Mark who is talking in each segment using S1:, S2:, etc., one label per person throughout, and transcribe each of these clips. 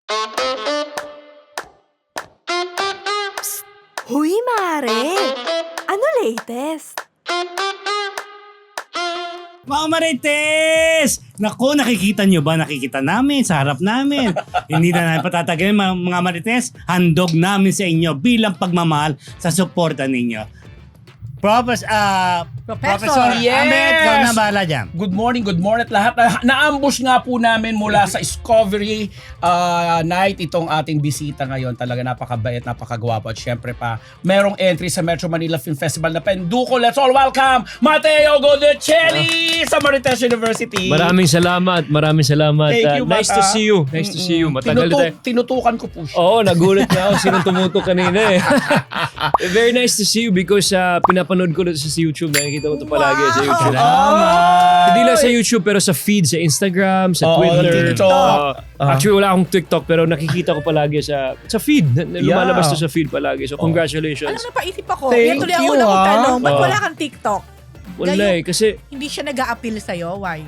S1: Huy, Mare! Ano latest?
S2: Mga Marites! Naku, nakikita nyo ba? Nakikita namin sa harap namin. Hindi na namin patatagalin mga Marites. Handog namin sa inyo bilang pagmamahal sa suporta ninyo. Professor
S3: Yes!
S2: Ahmed, ikaw na bahala dyan.
S3: Good morning at lahat. Na-ambush nga po namin mula sa Discovery night itong ating bisita ngayon. Talaga napakabait, napakagwapo. At syempre pa, merong entry sa Metro Manila Film Festival na Penduko. Let's all welcome Mateo Godecelli sa Marites University.
S4: Maraming salamat.
S3: Thank you,
S4: Nice
S3: Mata.
S4: to see you. Nice to see you. Matagal na tayo.
S3: Tinutukan ko po siya.
S4: Oo, nagulat na ako. Sinong tumutok kanina eh. Very nice to see you because pinapanood ko sa YouTube. Nakikita ko ito palagi sa YouTube. Hindi lang sa YouTube pero sa feed, sa Instagram, sa Twitter.
S3: TikTok.
S4: Actually, wala akong TikTok pero nakikita ko palagi sa feed. Lumalabas to sa feed palagi. So, congratulations.
S1: Alam na, paisip ako.
S3: Thank
S1: Yan tuloy ako
S3: you,
S1: unang
S3: ah.
S1: tanong. Ba't
S4: Oo.
S1: wala kang TikTok?
S4: Wala eh. Kasi,
S1: Hindi siya nag-a-appeal sa'yo? Why?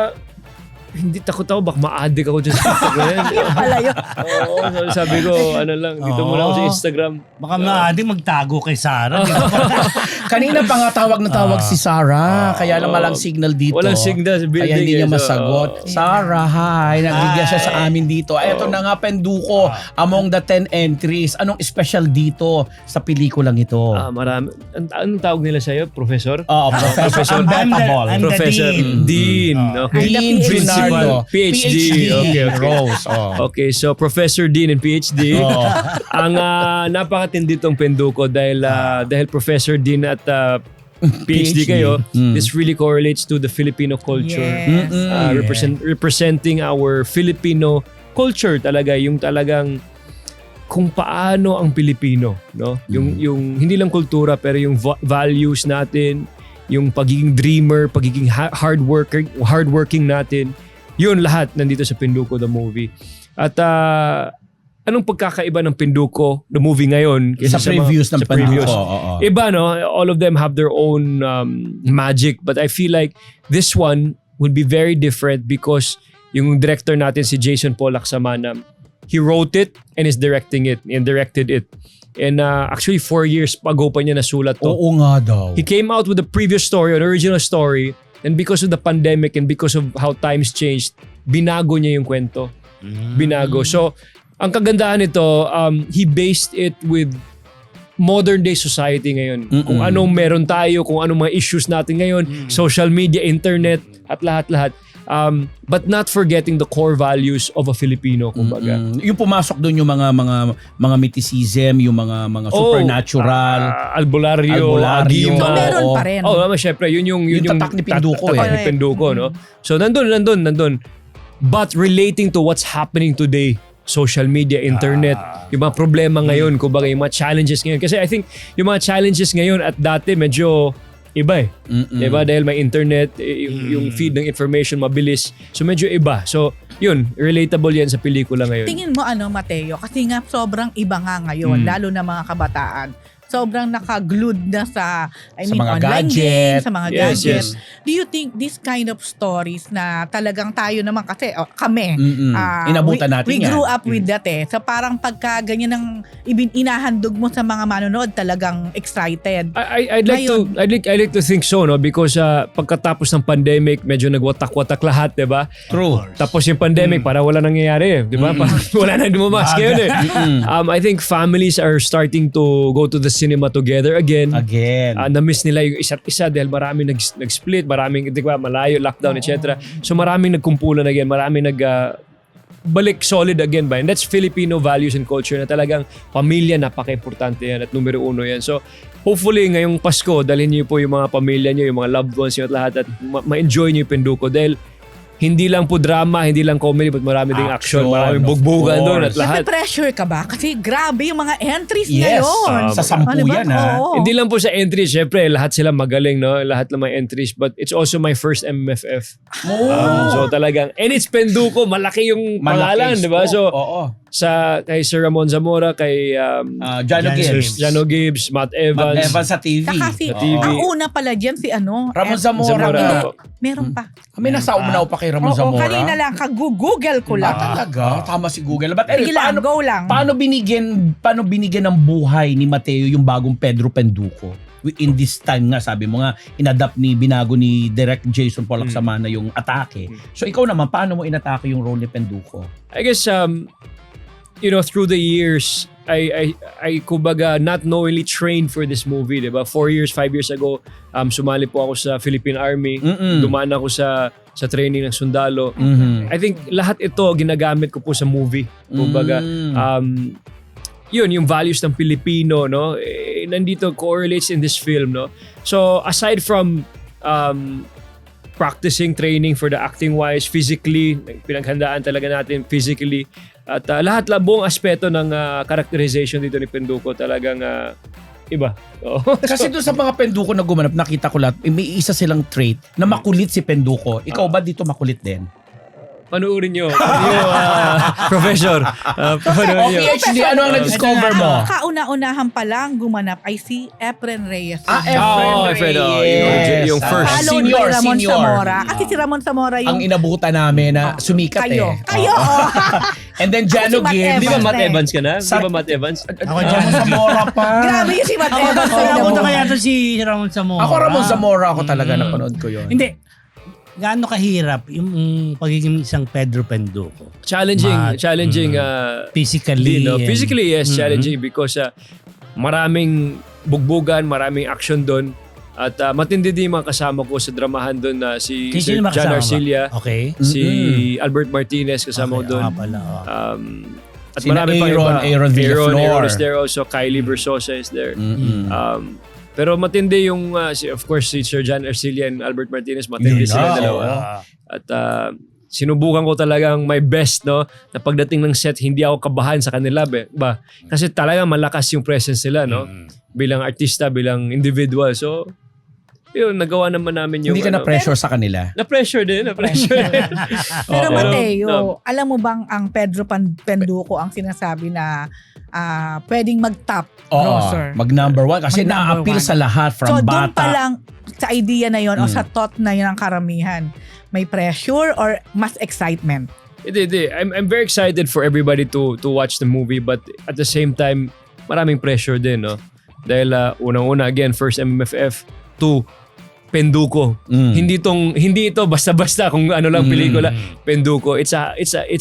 S4: hindi takot ako. Baka ma-addict ako dyan sa TikTok na yan.
S1: Yun pala yun.
S4: Oo, sabi ko, ano lang, dito muna ako sa Instagram.
S2: Baka maaari magtago kay Sarah.
S3: Kanina pa nga tawag na tawag si Sarah. Kaya lang walang signal dito.
S4: Walang signal sa building.
S3: Kaya hindi niya
S4: eh, so,
S3: masagot. Sarah, hi. Nagbigyan siya sa amin dito. Ito na nga, Penduko. Among the 10 entries. Anong special dito sa pelikulang ito?
S4: marami. Anong tawag nila sa'yo? Professor?
S3: Oo, Professor Unbettable.
S2: I'm the
S4: Professor
S2: Dean.
S4: Okay.
S3: Dean
S1: PhD.
S3: Junardo.
S4: PhD. Okay.
S3: Rose. Oh.
S4: Okay, so Professor Dean and PhD.
S3: Oh.
S4: Ang napakatindi tong Penduko dahil Professor Dean at PhD kayo, this really correlates to the Filipino culture.
S1: Yes.
S4: Representing our Filipino culture talaga, yung talagang kung paano ang Pilipino, no? Yung hindi lang kultura pero yung values natin, yung pagiging dreamer, pagiging hardworking natin. Yun lahat nandito sa Penduko the movie. At anong pagkakaiba ng Penduko the movie ngayon kaysa
S3: Sa previews ng Penduko. Oo.
S4: Iba, no? All of them have their own magic, but I feel like this one would be very different because yung director natin si Jason Paul Laksamana, he wrote it and is directing it and directed it. And actually 4 years ago pa niya nasulat to.
S3: Oo nga daw.
S4: He came out with the previous story, an original story, and because of the pandemic and because of how times changed, binago niya yung kwento. Binago. So, ang kagandahan nito, he based it with modern day society ngayon. Kung anong meron tayo, kung anong mga issues natin ngayon, social media, internet, at lahat-lahat. But not forgetting the core values of a Filipino, kumbaga.
S3: Yung pumasok doon yung mga mythicism, yung mga supernatural,
S4: Albularyo, Agima.
S1: So, meron pa rin.
S4: Syempre, yun yung
S3: tatak ni Penduko
S4: tatak
S1: eh.
S4: ni Penduko, no? So, nandun. But relating to what's happening today, social media, internet, yung mga problema ngayon, kumbaga yung mga challenges ngayon. Kasi I think yung mga challenges ngayon at dati medyo iba eh. Diba? Dahil may internet, yung feed ng information mabilis. So medyo iba. So yun, relatable yan sa pelikula ngayon.
S1: Tingin mo Mateo? Kasi nga sobrang iba nga ngayon, lalo na mga kabataan. Sobrang naka-glued na sa
S3: mga
S1: online
S3: gadget.
S1: games, sa mga
S4: Yes,
S1: gadgets.
S4: yes.
S1: Do you think this kind of stories na talagang tayo naman kasi, kami,
S3: Inabutan natin
S1: we
S3: yan.
S1: grew up with that eh. So parang pagka ganyan ng inahandog mo sa mga manonood, talagang excited.
S4: I'd like to think so, no, because pagkatapos ng pandemic medyo nagwatak-watak lahat, 'di ba?
S3: True.
S4: Tapos yung pandemic para wala nangyayari, 'di ba? Wala nang dumamas ngayon eh. I think families are starting to go to the cinema together again. Na-miss nila yung isa't isa dahil maraming nag-split, maraming, di ba, malayo, lockdown, etc. So maraming nagkumpulan again, maraming balik solid again ba? And that's Filipino values and culture na talagang pamilya, napaka-importante yan at numero uno yan. So hopefully ngayong Pasko, dalhin niyo po yung mga pamilya niyo, yung mga loved ones niyo at lahat at ma-enjoy niyo yung Penduko dahil hindi lang po drama, hindi lang comedy, but marami ding action, maraming bugbugan doon at lahat.
S1: Pressure ka ba? Kasi grabe yung mga entries
S3: Yes.
S1: ngayon.
S3: Sa 10 yan, ha?
S1: Oo.
S4: Hindi lang po sa entries, syempre lahat sila magaling, no? Lahat ng mga entries, but it's also my first MFF. So talagang, and it's Penduko, malaki yung pangalan, di ba? So, kay Sir Ramon Zamora, kay
S3: Jano Gibbs.
S4: Jano Gibbs, Matt
S3: Matt
S4: Evans.
S3: Evans sa TV.
S1: Saka si,
S3: Oo.
S1: ang una pala dyan si
S3: Ramon Zamora.
S4: Zamora.
S1: Meron pa.
S3: Kami nasa umnaw pa kay Ramon
S1: Oo,
S3: Zamora.
S1: kanina lang, kag-google ko lang.
S3: Talaga? Tama si Google. But anyway,
S1: Sige lang, go lang.
S3: paano binigyan ng buhay ni Mateo yung bagong Pedro Penduko? In this time nga, sabi mo nga, inadapt binago ni Direk Jason Pollack Samana yung atake. So ikaw naman, paano mo inatake yung role ni Penduko?
S4: I guess through the years I kumbaga not knowingly trained for this movie, 'di ba? 5 years ago, sumali po ako sa Philippine Army. Dumaan ako sa training ng sundalo. I think lahat ito ginagamit ko po sa movie. Kumbaga yung values ng Pilipino, no? Nandito correlates in this film, no? So aside from practicing, training for the acting wise, physically, pinaghandaan talaga natin physically. At lahat buong aspeto ng characterization dito ni Penduko talagang iba.
S3: Kasi doon sa mga Penduko na gumanap, nakita ko lahat, may isa silang trait na makulit si Penduko. Ikaw ba dito makulit din?
S4: Panuorin nyo. Professor. Panuorin nyo.
S3: PhD, ano ang na-discover mo?
S1: Kauna-unahan pa lang gumanap ay si Efren Reyes.
S4: Efren, yung first.
S1: Followed
S3: Senior,
S1: by Ramon
S3: senior.
S1: Zamora. Kasi si Ramon Zamora
S3: Ang
S1: yung
S3: inabutan namin na sumikat
S1: kayo.
S3: eh.
S1: Kayo!
S3: And then Jano
S1: Ako si Matt
S3: Gibbs.
S4: Di ba
S1: Evans
S4: Matt
S1: eh.
S4: Evans ka na? Di ba Matt Evans?
S2: Ako dyan.
S3: Zamora pa.
S1: Grabe yung si Matt Evans.
S2: Ako
S1: sa
S2: napunta
S1: mo.
S2: kaya to si Ramon Zamora.
S3: Ako Ramon Zamora ako talaga napanood ko yun.
S2: Hindi. Gaano kahirap yung pagiging isang Pedro Penduko?
S4: Challenging.
S2: Physically.
S4: Physically, yes, challenging because maraming bugbugan, maraming action doon. At matindi din yung mga kasama ko sa dramahan doon na si Sir
S2: Sino ba
S4: John
S2: kasama?
S4: Arcilla,
S2: Okay.
S4: si Albert Martinez kasama ko doon.
S2: Pala.
S4: At
S3: Sina
S4: marami pang iba.
S3: Aaron Villaflor.
S4: Aaron is there also. Kylie Versosa is there. Pero matindi yung, of course, si Sir John Arcilla and Albert Martinez, matindi sila dalawa. At sinubukan ko talagang my best, no? Na pagdating ng set, hindi ako kabahan sa kanila. Ba? Kasi talagang malakas yung presence nila, no? Bilang artista, bilang individual. So, yun, nagawa naman namin yung...
S3: Hindi ka na-pressure sa kanila?
S4: Na-pressure din.
S1: Pero Mateo, alam mo bang ang Pedro Penduko ang sinasabi na pwedeng mag-top grosser?
S3: Mag number one. Kasi
S1: Mag-number
S3: na-appeal
S1: one.
S3: sa lahat from
S1: So
S3: bata.
S1: doon pa lang sa idea na yon o sa thought na yun ang karamihan. May pressure or mas excitement?
S4: Hindi. I'm very excited for everybody to watch the movie, but at the same time, maraming pressure din, no? Dahil unang-una, again, first MMFF, 2, Penduko. Hindi ito basta-basta kung ano lang pelikula. Penduko. It's a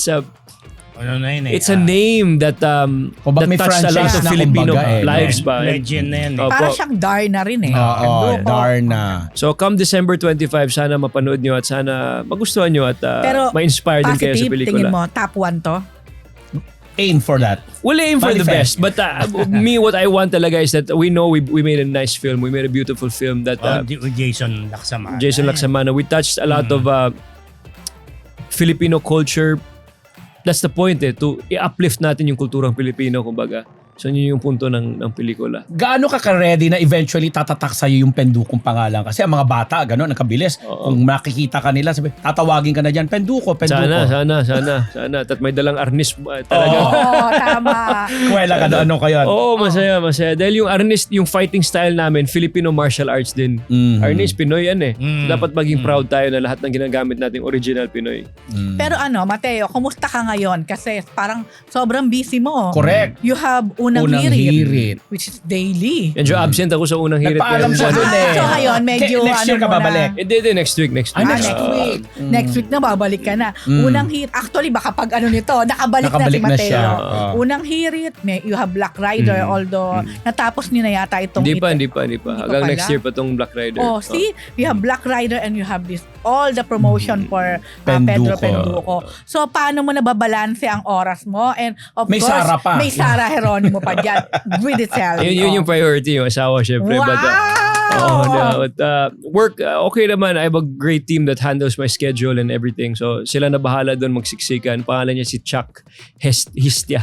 S4: It's a name that
S3: Kumbaga may
S4: touched a lot
S3: franchise
S4: of
S3: na
S4: Filipino
S3: kumbaga
S4: lives ba.
S2: Legend na yan.
S4: Opo.
S1: Para siyang Darna rin eh. Penduko.
S3: Darna.
S4: So come December 25, sana mapanood nyo at sana magustuhan nyo at
S1: Pero
S4: ma-inspire din kayo sa
S1: positive,
S4: pelikula.
S1: tingin mo, top 1 to?
S3: Aim for that.
S4: We'll aim for the
S3: Manifest.
S4: best. But what I want talaga is that we know we made a nice film. We made a beautiful film that
S2: With Jason Laksamana.
S4: Jason Laksamana. We touched a lot of Filipino culture. That's the point to i-uplift natin yung kulturang Pilipino, kumbaga. So yun yung punto ng pelikula.
S3: Gaano ka ka-ready na eventually tatatak sa'yo yung Pendukong pangalan? Kasi ang mga bata, gano'n, nakabilis. Kung makikita ka nila, sabi, tatawagin ka na dyan, Penduko.
S4: Sana. At may dalang arnis talaga.
S1: Oo, tama.
S3: Kuwela ka doon, ano kayo?
S4: Oo, masaya. Dahil yung arnis, yung fighting style namin, Filipino martial arts din. Arnis, Pinoy yan eh. So, dapat maging proud tayo na lahat ng ginagamit nating original Pinoy.
S1: Pero Mateo, kumusta ka ngayon? Kasi parang sobrang busy mo.
S3: Correct.
S1: You have unang hirit, which is daily.
S4: Medyo absent ako sa unang hirit.
S3: Nagpaalam siya doon eh.
S1: So ngayon, medyo
S3: Next year ka
S1: muna.
S3: babalik?
S4: Hindi, next week.
S3: Next week.
S1: Next week na babalik ka na. Unang hirit. Actually, baka pag nito, nakabalik na si
S3: Nakabalik na
S1: Mateo.
S3: siya.
S1: Unang hirit, you have Black Rider, although natapos niyo na yata itong
S4: Hindi pa.
S1: Hindi
S4: Hanggang
S1: pa
S4: next
S1: pala?
S4: year pa tong Black Rider.
S1: Oh, see? You have Black Rider and you have all the promotion for Pedro Penduko. So, paano mo nababalanse ang oras mo? And of
S3: May
S1: course,
S3: Sara pa.
S1: may Sara Geronimo pa dyan with itself.
S4: Yun yung priority, yung asawa syempre.
S1: Wow!
S4: But, But work, okay naman. I have a great team that handles my schedule and everything. So sila na bahala doon magsiksikan. Pangalan niya si Chuck Histia.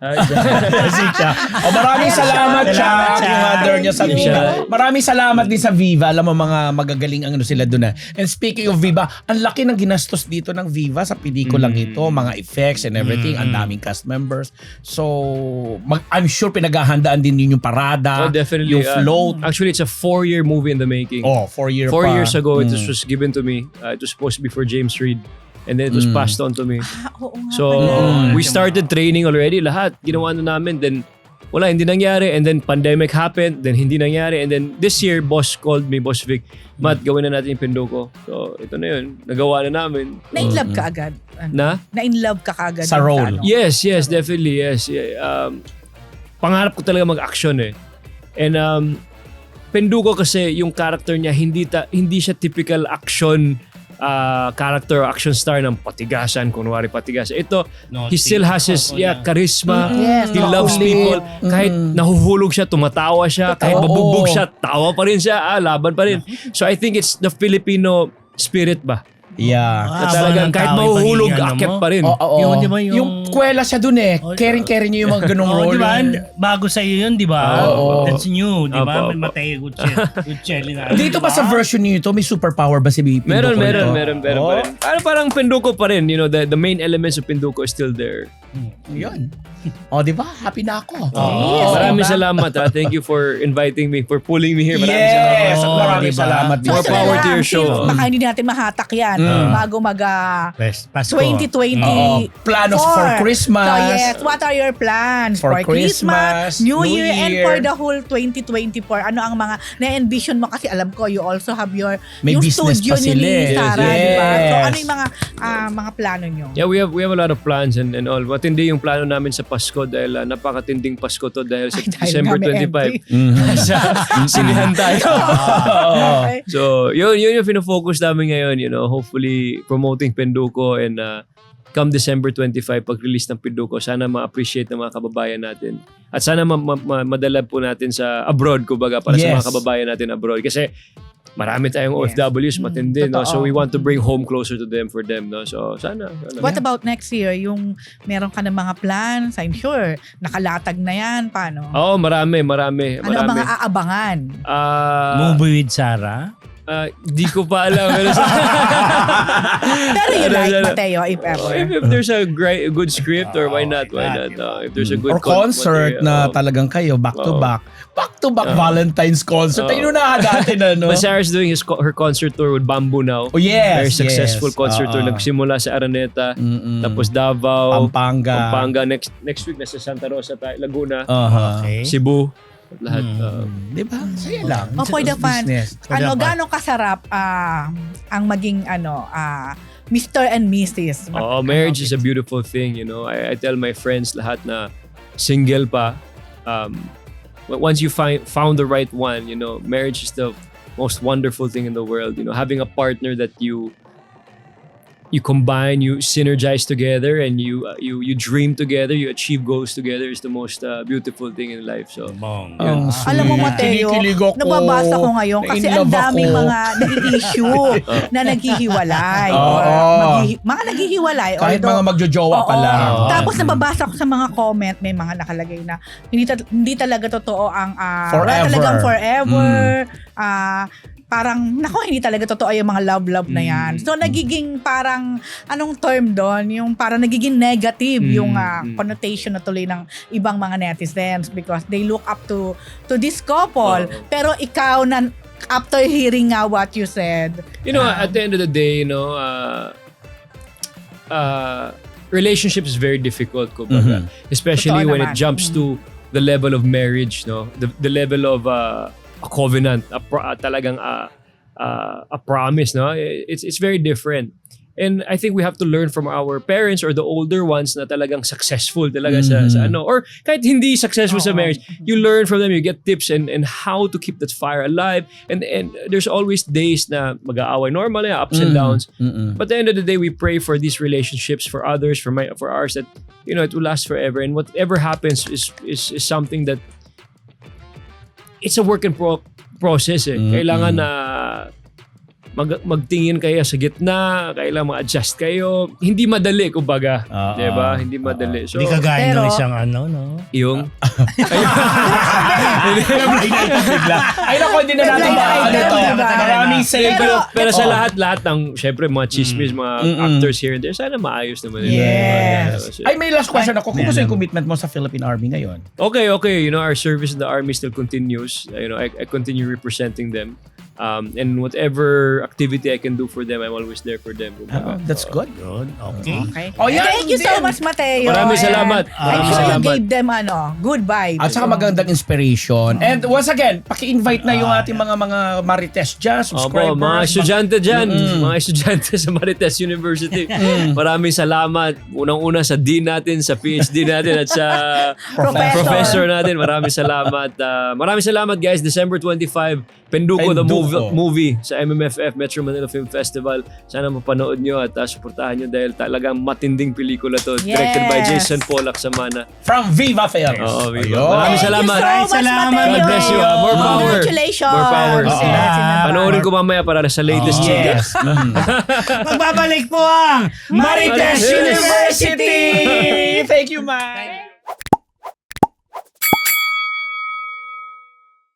S3: Maraming salamat, Chuck. Yung mother niya sa
S4: Siya.
S3: Viva. Maraming salamat din sa Viva. Alam mo, mga magagaling ang sila doon. And speaking of Viva, ang laki ng ginastos dito ng Viva sa pelikulang ito. Mga effects and everything. Ang daming cast members. So, I'm sure pinaghahandaan din yun yung parada.
S4: Oh, definitely.
S3: Yung float.
S4: Actually, it's a 4-year movie in the making.
S3: 4 years
S4: 4
S3: pa.
S4: years ago, it was given to me. It was supposed to be for James Reid. And then it was passed on to me.
S1: Oo nga
S4: So,
S1: pala.
S4: we started training already. Lahat, ginawa na namin. Then, wala, hindi nangyari. And then, pandemic happened. Then, hindi nangyari. And then, this year, boss called me, Boss Vic, Matt, gawin na natin yung Pinduko. So, ito na yun. Nagawa na namin.
S1: Na-inlove ka agad? Na-inlove ka agad?
S3: Sa role.
S4: Yes, definitely, yes. Yeah, pangarap ko talaga mag-action eh. And, Pinduko kasi, yung character niya, hindi siya typical action character or action star ng patigasan, kunwari patigasan. Ito, he still has his charisma.
S1: Yes,
S4: He loves people. Kahit nahuhulog siya, tumatawa siya. Kahit mabubog siya, tawa pa rin siya. Laban pa rin. So I think it's the Filipino spirit ba?
S3: Yeah.
S4: Na talagang kahit mahuhulog, akyat pa rin.
S2: Yung, di ba, yung
S3: kwela siya dun eh. Caring niya yung mga ganong role.
S2: Di ba? Bago sa iyo yun, di ba?
S3: Oo.
S2: That's new, di ba?
S4: Opo,
S2: May
S4: opo.
S2: Mateo Gutierrez na.
S3: Dito ba sa version nito, may superpower ba si Pinduko?
S4: Meron
S3: nito?
S4: pa rin. Parang Pinduko pa rin. You know, the main elements of Pinduko is still there.
S3: Yun. Di ba? Happy na ako.
S4: Maraming salamat. Thank you for inviting me, for pulling me here. Maraming
S3: Yes!
S4: salamat.
S3: Maraming
S2: diba?
S3: salamat.
S4: More
S1: So,
S4: power to
S1: lang,
S4: your show.
S1: since baka hindi natin mahatak yan bago mag
S2: Pasko.
S1: 2020.
S3: Planos for Christmas.
S1: So yes, what are your plans
S3: For
S1: for Christmas,
S3: Christmas,
S1: New
S3: New
S1: Year, and
S3: Year.
S1: for the whole 2024? Ano ang mga na-envision mo? Kasi alam ko, you also have
S3: May
S1: yung
S3: business
S1: studio
S3: pa
S1: niyo
S3: sila
S1: ni
S3: eh.
S1: Sarah,
S3: Yes.
S1: di ba? So ano yung mga plano nyo?
S4: Yeah, we have a lot of plans and all. Matindi yung plano namin sa Pasko dahil napakatinding Pasko to dahil sa
S1: Dahil
S4: December
S1: namin
S4: 25. Sa sinihan tayo.
S1: Okay.
S4: So, yun yung pinofocus namin ngayon, you know, hopefully promoting Pinduko and come December 25 pag-release ng Pinduko, sana ma-appreciate ng mga kababayan natin. At sana madala po natin sa abroad, kumbaga, para sa
S3: Yes.
S4: mga kababayan natin abroad. Kasi marami tayong OFWs matindi, no?
S1: totoo.
S4: So we want to bring home closer to them for them, no? So sana.
S1: What about next year? Yung meron ka ng mga plans, I'm sure, nakalatag na yan. Paano?
S4: Oo, marami.
S1: Ano ang mga aabangan?
S2: Movie with Sarah.
S4: Di ko pa alam. Pero
S1: Pero you like
S4: Ano,
S1: Mateo, if ever.
S4: if there's a good script or why not? If there's a good
S3: Or concert na
S4: material.
S3: talagang kayo, back to
S4: Oo.
S3: back. Back to back Valentine's concert. Ayun na natin, ano?
S4: But Sarah's doing her concert tour with Bamboo now.
S3: Oh, yes.
S4: Very successful
S3: yes.
S4: concert tour. Nagsimula sa Araneta, tapos Davao,
S3: Pampanga.
S4: Next week nasa Santa Rosa tayo, Laguna,
S2: Okay.
S4: Cebu, lahat.
S3: Di ba? Saya lang.
S1: For the fans,
S3: Business.
S1: gano'ng kasarap ang maging Mr. and Mrs.
S4: Marriage is a beautiful thing, you know. I tell my friends lahat na single pa, once you found the right one, you know, marriage is the most wonderful thing in the world. You know, having a partner that you combine, you synergize together, and you dream together, you achieve goals together is the most beautiful thing in life. So,
S3: Ang
S1: Alam mo,
S3: sweet.
S1: Mateo,
S3: Kinikilig ako.
S1: nababasa ko ngayon kasi ang
S3: Na-inlove
S1: daming
S3: ako.
S1: mga nag-issue na naghihiwalay.
S3: Oo.
S1: Mga naghihiwalay.
S3: Kahit
S1: although-
S3: mga magjojowa pa
S1: Oo.
S3: lang.
S1: Tapos nababasa ko sa mga comment, may mga nakalagay na hindi talaga totoo ang wala
S3: Forever.
S1: talagang forever. Parang hindi talaga totoo yung mga love na yan. So nagiging parang anong term doon, yung parang nagiging negative yung connotation na tuloy ng ibang mga netizens because they look up to this couple. Pero ikaw na after hearing what you said,
S4: you know, at the end of the day, you know, relationship is very difficult, kumbaga. Especially
S1: Totoo
S4: when
S1: naman.
S4: it jumps to the level of marriage, no? The level of a covenant, talagang a promise, no? It's very different. And I think we have to learn from our parents or the older ones na talagang successful talaga sa ano. Or kahit hindi successful sa marriage, you learn from them, you get tips and how to keep that fire alive. And there's always days na mag-aaway, normal na, ups and downs. But at the end of the day, we pray for these relationships, for others, for ours, that, you know, it will last forever. And whatever happens is something that it's a work in process eh. Kailangan na magtingin kayo sa gitna, kailangan mag-adjust kayo. Hindi madali, kumbaga. Diba? Hindi madali. So,
S2: Hindi kagaya ng
S1: pero-
S2: isang ano, no?
S4: yung...
S3: Ay nako, hindi na natin
S1: Blind item,
S3: to.
S1: diba?
S3: Maraming thank you.
S4: Pero sa lahat ng, syempre, mga chismis, mga actors here and there, sana maayos naman.
S1: Yes.
S4: Kasi-
S3: Ay, may last question ako. Kung gusto yung commitment mo sa Philippine Army ngayon?
S4: Okay. You know, our service in the Army still continues. You know, I continue representing them. And whatever activity I can do for them, I'm always there for them.
S3: Oh, that's good.
S2: Good, okay.
S1: Okay.
S3: Oh, yeah,
S1: Thank you so
S3: din.
S1: much, Mateo.
S4: Maraming
S1: And
S4: salamat.
S1: I'm
S4: Maraming
S1: sure you
S4: salamat.
S1: gave them good vibes.
S3: At saka magandang inspiration. And once again, paki-invite na yung ating mga Marites dyan, subscribers.
S4: Opo, mga estudyante dyan, mga estudyante sa Marites University. Maraming salamat. Unang-una sa dean natin, sa PhD natin, at sa professor natin. Maraming salamat. Maraming salamat guys. December 25, Penduko the movie sa MMFF, Metro Manila Film Festival. Sana mapanood nyo at suportahan nyo dahil talagang matinding pelikula to. Directed by Jason Pollack Samana.
S3: From Viva Films.
S4: Oo, Viva.
S3: Ayun.
S4: Maraming salamat.
S1: Thank you so much,
S2: Salamat.
S1: Mateo.
S4: God bless you. More power.
S1: Congratulations.
S4: More power.
S1: Yes, in
S4: Panoorin ko mamaya para sa latest changes.
S3: Yes.
S2: Magbabalik po ang
S3: Marites
S2: Marites
S3: University! Thank you, Mike.